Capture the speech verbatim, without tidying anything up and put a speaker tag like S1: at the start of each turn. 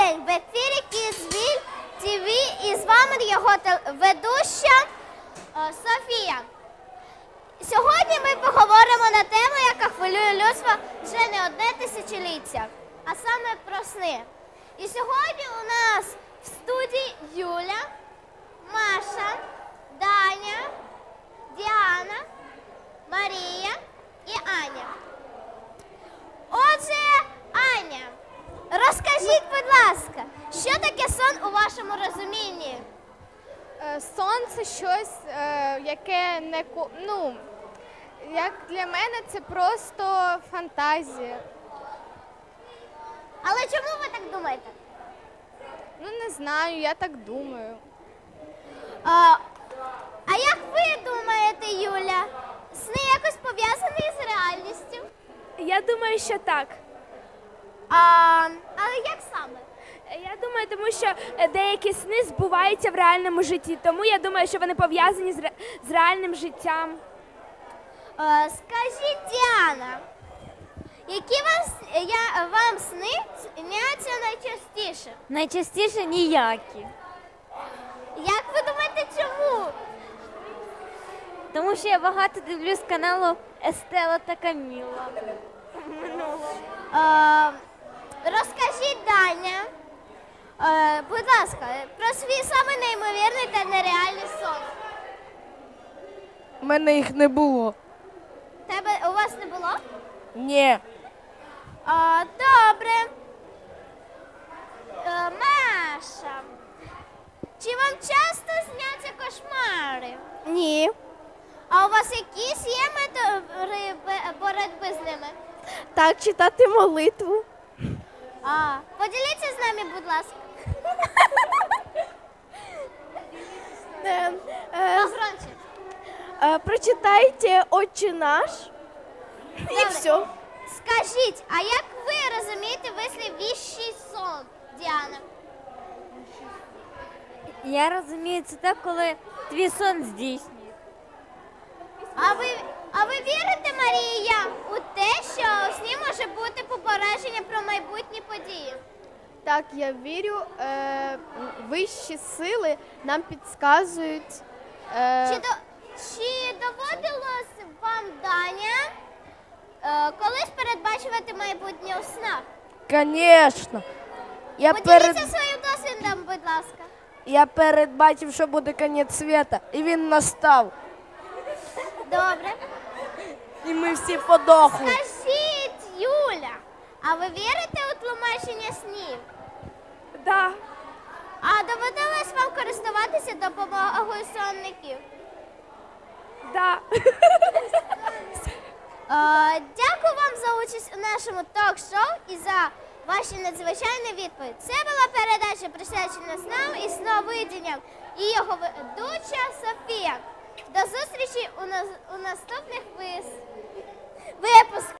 S1: день! В ефірі Kidsville ті ві і з вами його ведуща е, Софія. Сьогодні ми поговоримо на тему, яка хвилює людство вже не одне тисячоліття, а саме про сни. І сьогодні у нас в студії Юля, Маша, Даня, Діана, Марія і Аня. Отже, Аня, розкажіть, будь ласка, що таке сон у вашому розумінні?
S2: Е, Сон – це щось, е, яке не ко- ну, як для мене це просто фантазія.
S1: Але чому ви так думаєте?
S2: Ну не знаю, я так думаю.
S1: А, а як ви думаєте, Юля, сни якось пов'язані з реальністю?
S3: Я думаю, що так.
S1: А, але як саме?
S3: Я думаю, тому що е, деякі сни збуваються в реальному житті, тому я думаю, що вони пов'язані з, ре- з реальним життям.
S1: А, скажіть, Діана, які вам, с- я, вам сни сняться найчастіше?
S4: Найчастіше ніякі.
S1: Як ви думаєте, чому?
S4: Тому що я багато дивлюсь каналу Естела та Каміла.
S1: А, розкажіть, Даня, а, будь ласка, про свій самий неймовірний та нереальний сон.
S5: У мене їх не було.
S1: Тебе у вас не було?
S5: Ні.
S1: А, добре. Е, Маша, чи вам часто сняться кошмари?
S5: Ні.
S1: А у вас якісь є методи бе- боротьби з ними?
S5: Так, читати молитву.
S1: А, поділіться з нами, будь ласка.
S5: Е, е,
S1: Погромче.
S5: е, прочитайте «Отче наш» і
S1: Добре.
S5: все.
S1: Скажіть, а як ви розумієте вислів «віщий сон», Діана?
S4: Я розумію, це так, коли твій сон здійснює.
S1: А ви, а ви вірите, Марія, у те, що у сні може бути попередження про майбутні події?
S2: Так, я вірю, е, вищі сили нам підказують. Е,
S1: Чи, до, чи доводилось вам, Даня, е, колись передбачувати майбутнє у снах?
S5: Звісно. Я,
S1: Поділіться
S5: перед...
S1: своїм досвідом, будь ласка.
S5: я передбачив, що буде кінець світу, і він настав.
S1: Добре.
S5: І ми всі подохли.
S1: Скажіть, Юля, а ви вірите у тлумачення снів?
S3: Да.
S1: А доводилось вам користуватися допомогою сонників?
S3: Да.
S1: Е, дякую вам за участь у нашому ток-шоу і за ваші надзвичайні відповіді. Це була передача, присвячена снам і сновидінням, і його ведуча Софія. До зустрічі у, нас, у наступних вис... випусках.